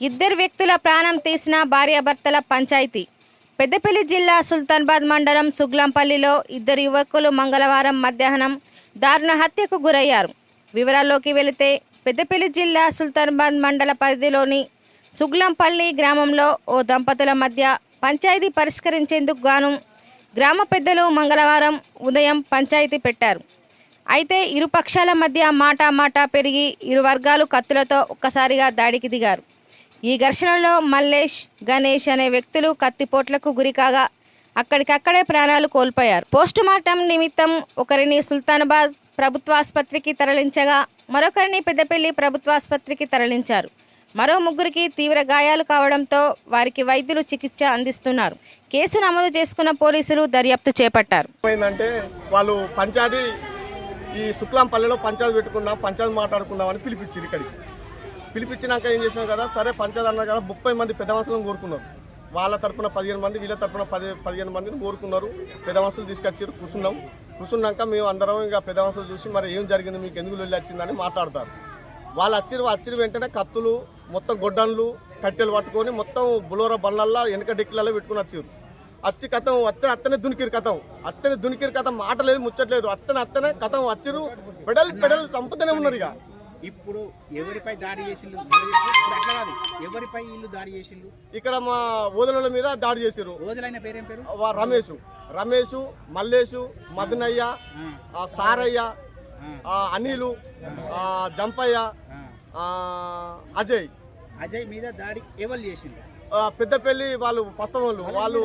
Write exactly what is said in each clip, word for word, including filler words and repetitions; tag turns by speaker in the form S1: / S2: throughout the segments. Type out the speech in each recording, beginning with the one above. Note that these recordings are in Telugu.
S1: ఇద్దరు వ్యక్తుల ప్రాణం తీసిన భార్యాభర్తల పంచాయతీ. పెద్దపల్లి జిల్లా సుల్తానాబాద్ మండలం సుగ్లంపల్లిలో ఇద్దరు యువకులు మంగళవారం మధ్యాహ్నం దారుణ హత్యకు గురయ్యారు. వివరాల్లోకి వెళితే పెద్దపల్లి జిల్లా సుల్తానాబాద్ మండల పరిధిలోని సుగ్లంపల్లి గ్రామంలో ఓ దంపతుల మధ్య పంచాయతీ పరిష్కరించేందుకు గాను గ్రామ పెద్దలు మంగళవారం ఉదయం పంచాయతీ పెట్టారు. అయితే ఇరు పక్షాల మధ్య మాటా మాటా పెరిగి ఇరు వర్గాలు కత్తులతో ఒక్కసారిగా దాడికి దిగారు. ఈ ఘర్షణలో మల్లేష్, గణేష్ అనే వ్యక్తులు కత్తిపోట్లకు గురికాగా అక్కడికక్కడే ప్రాణాలు కోల్పోయారు. పోస్టుమార్టం నిమిత్తం ఒకరిని సుల్తానాబాద్ ప్రభుత్వాసుపత్రికి తరలించగా మరొకరిని పెద్దపల్లి ప్రభుత్వాసుపత్రికి తరలించారు. మరో ముగ్గురికి తీవ్ర గాయాలు కావడంతో వారికి వైద్యులు చికిత్స అందిస్తున్నారు. కేసు నమోదు చేసుకున్న పోలీసులు దర్యాప్తు చేపట్టారు.
S2: ఏంటంటే వాళ్ళు పంచాయతీ ఈ శుక్లంపల్లిలో పంచాయతీ పెట్టుకున్నాం, పంచాయతీ మాట్లాడుకుందామని పిలిపించారు. ఇక్కడికి పిలిపించినాక ఏం చేసినాం కదా, సరే పంచాయతీ అన్నారు కదా, ముప్పై మంది పెద్ద మనుషులను కోరుకున్నారు. వాళ్ళ తరపున పదిహేను మంది, వీళ్ళ తరపున పది పదిహేను మందిని కోరుకున్నారు. పెద్ద మనుషులు తీసుకొచ్చారు. కూర్చున్నాం. కూర్చున్నాక మేము అందరం ఇక పెద్ద మనుషులు చూసి మరి ఏం జరిగింది, మీకు ఎందుకు వెళ్ళి వచ్చిందని మాట్లాడతారు. వాళ్ళు వచ్చిరు వచ్చిన వెంటనే కత్తులు, మొత్తం గొడ్డన్లు, కట్టెలు పట్టుకొని మొత్తం బులోరా బండ్లల్లో వెనక డిక్కలలో పెట్టుకుని వచ్చారు. వచ్చి కథం అత్తనే అత్తనే దునికిరు కథం అత్తనే దునికిరు కథం మాట లేదు, ముచ్చట్లేదు. అత్తనే అత్తనే కథం వచ్చిరు. పెడల్ పెడల్ చంపుతూనే ఉన్నారు. ఇక
S3: ఇప్పుడు ఎవరిపై దాడి చేసిండు? ఎవరిపై ఇల్లు దాడి చేసిండు?
S2: ఇక్కడ మా ఓదల మీద దాడి చేసారు.
S3: ఓదలైన పేరేం పేరు?
S2: రమేష్ రమేష్ మల్లేషు, మదనయ్య, సారయ్య, అనిలు, జంపయ్య, అజయ్
S3: అజయ్ మీద దాడి ఎవరు చేసిండు?
S2: పెద్దపల్లి వాళ్ళు పస్తం వాళ్ళు వాళ్ళు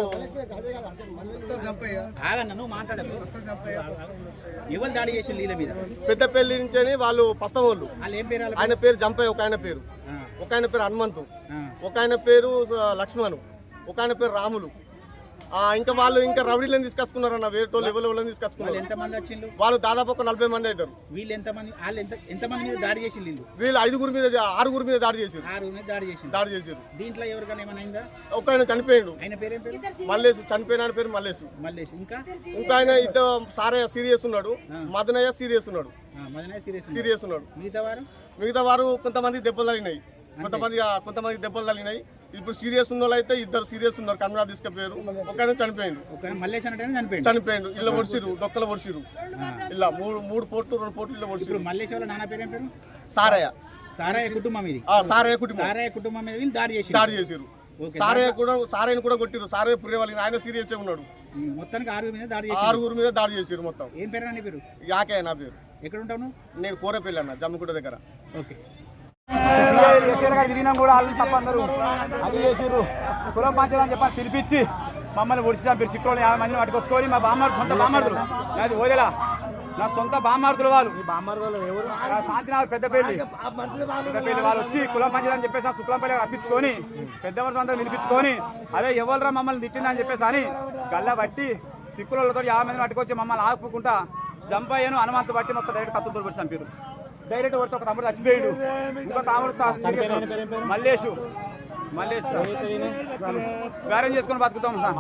S3: ఎవరు దాడి చేసిండు వీళ్ళ మీద?
S2: పెద్దపల్లి నుంచి వాళ్ళు పస్తం వాళ్ళు. ఆయన పేరు జంపయ్య, ఒక ఆయన పేరు ఒక ఆయన పేరు హనుమంతు, ఒక ఆయన పేరు లక్ష్మణు, ఒక ఆయన పేరు రాములు. ఇంకా వాళ్ళు ఇంకా రౌడీలను తీసుకొచ్చుకున్నారు అన్న, వేరే వాళ్ళు ఎవరు తీసుకొచ్చుకున్నారు.
S3: ఎంతమంది వచ్చిండు?
S2: వాళ్ళు దాదాపు ఒక నలభై మంది అవుతారు.
S3: వీళ్ళు ఎంతమంది? వాళ్ళు ఎంత ఎంతమంది మీద దాడి చేసి?
S2: వీళ్ళు ఐదుగురు మీద ఆరుగురు మీద దాడి చేశారు.
S3: ఆరుగురు మీద దాడి చేసి
S2: దాడి చేశారు.
S3: దీంట్లో ఎవరికైనా ఏమైనా అయిందా?
S2: ఒక ఆయన చనిపోయాడు.
S3: ఆయన పేరేం పేరు?
S2: మల్లేసు. చనిపోయిన ఆయన పేరు మల్లేసు.
S3: మల్లేష్. ఇంకా
S2: ఇంకా ఆయన ఇద్దరు సారయ్య సీరియస్ ఉన్నాడు, మదనయ్య సీరియస్ ఉన్నాడు.
S3: మదనయ్య సీరియస్
S2: సీరియస్ ఉన్నాడు.
S3: మిగతా వారు
S2: మిగతా వారు కొంతమంది దెబ్బలు తగినాయి, కొంతమంది కొంతమంది దెబ్బలు తగినాయి. ఇప్పుడు సీరియస్ ఉన్న వాళ్ళు అయితే ఇద్దరు సీరియస్ ఉన్నారు. కన్నడ తీసుకుపోయారు. ఒక ఆయన చనిపోయాడు.
S3: మల్లేష్ అంటే
S2: చనిపోయాడు. ఇళ్ళ ఒడిసిరు, డొక్కల ఒడిసిరు. ఇలా మూడు మూడు పోట్లు రెండు పోట్లు ఇళ్ళ ఒడిసిరు.
S3: మల్లేష్ వాళ్ళ నాన్న పేరేం పేరు?
S2: సారయ్య.
S3: సారయ్య కుటుంబం ఇది.
S2: సారయ్య కుటుంబం.
S3: సారయ్య కుటుంబం మీద వీళ్ళు దాడి చేసి
S2: దాడి చేశారు. సారయ్య కూడా సారయ్యను కూడా కొట్టిరు. సారయ్య పురే వాళ్ళకి ఆయన సీరియస్ ఉన్నాడు.
S3: మొత్తానికి ఆరుగురు మీద దాడి చేసి
S2: ఆరుగురు మీద దాడి చేశారు. మొత్తం
S3: ఏం పేరు నీ పేరు?
S2: యాకే నా పేరు.
S3: ఎక్కడ ఉంటావు?
S2: నేను కోరపల్లి అన్న, జమ్మిగుట్ట దగ్గర.
S3: ఓకే.
S4: తిరిగినాం కూడా వాళ్ళు తప్ప అందరూ అది చేసిర్రు. కులం పంచాయతీ అని చెప్పని పిలిపించి మమ్మల్ని ఒడిచి మీరు సిక్కులు యాభై మందిని పట్టుకొచ్చుకొని మా బామ్మారు సొంత బామ్మార్దులు, నాది ఓదెలా నా సొంత బామ్మార్దులు వాళ్ళు. శాంతినగర్ పెద్దపల్లి పెద్దపల్లి వాళ్ళు వచ్చి కులం పంచాయతీ అని చెప్పేసి శుక్లంపల్లి రప్పించుకొని పెద్ద మనుషులు అందరూ వినిపించుకొని అదే ఎవరురా మమ్మల్ని తిట్టిందని చెప్పేసి అని గల్ల బట్టి సిక్కులతో యాభై మందిని పట్టుకొచ్చి మమ్మల్ని ఆపుకుంటా జంపయ్యను హనుమంతు బట్టి మొత్తం డైరెక్ట్ కత్తులతో పెట్టి చంపారు. డైరెక్ట్ కొడితే ఒక తమ్ముడు చచ్చిపోయాడు. ఇంకో తమ్ముడు మల్లేషు మల్లేష్ వ్యారేం చేసుకొని బతుకుతాం సార్.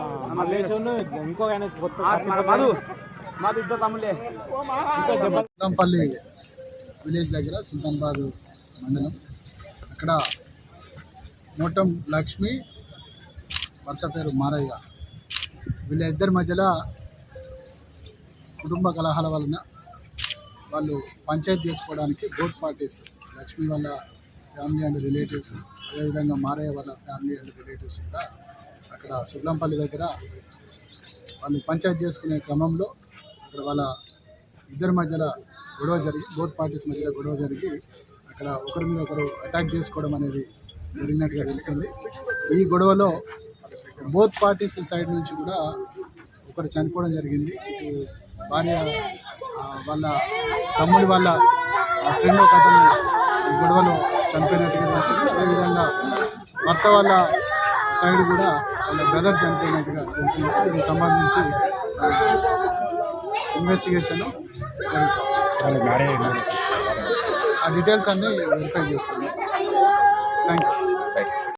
S4: మధు మధు ఇద్దరు తమ్ముళ్ళే.
S5: సుల్తాన్పల్లి విలేజ్ దగ్గర సుల్తానాబాద్ మండలం, అక్కడ మోటం లక్ష్మి, భర్త పేరు మారయ్య, వీళ్ళ ఇద్దరి మధ్యలో కుటుంబ కలహాల వలన వాళ్ళు పంచాయతీ చేసుకోవడానికి బోత్ పార్టీస్, లక్ష్మి వాళ్ళ ఫ్యామిలీ అండ్ రిలేటివ్స్, అదేవిధంగా మారయ్య వాళ్ళ ఫ్యామిలీ అండ్ రిలేటివ్స్ కూడా అక్కడ సుల్తాన్పల్లి దగ్గర వాళ్ళు పంచాయతీ చేసుకునే క్రమంలో అక్కడ వాళ్ళ ఇద్దరి మధ్యలో గొడవ జరిగి బోత్ పార్టీస్ మధ్యలో గొడవ జరిగి అక్కడ ఒకరి మీద ఒకరు అటాక్ చేసుకోవడం అనేది జరిగినట్టుగా తెలిసింది. ఈ గొడవలో బోత్ పార్టీస్ సైడ్ నుంచి కూడా ఒకరు చనిపోవడం జరిగింది. ఇటు భార్య వాళ్ళ తమ్ముడి వాళ్ళ ఫ్రెండ్ ఒక అతను గొడవలో చనిపోయినట్టుగా తెలిసింది. అదేవిధంగా భర్త వాళ్ళ సైడ్ కూడా వాళ్ళ బ్రదర్ చనిపోయినట్టుగా తెలిసింది. దీనికి సంబంధించి ఇన్వెస్టిగేషన్ జరుగుతుంది. ఆ డీటెయిల్స్ అన్నీ వెరిఫై చేస్తున్నాం. Thank you.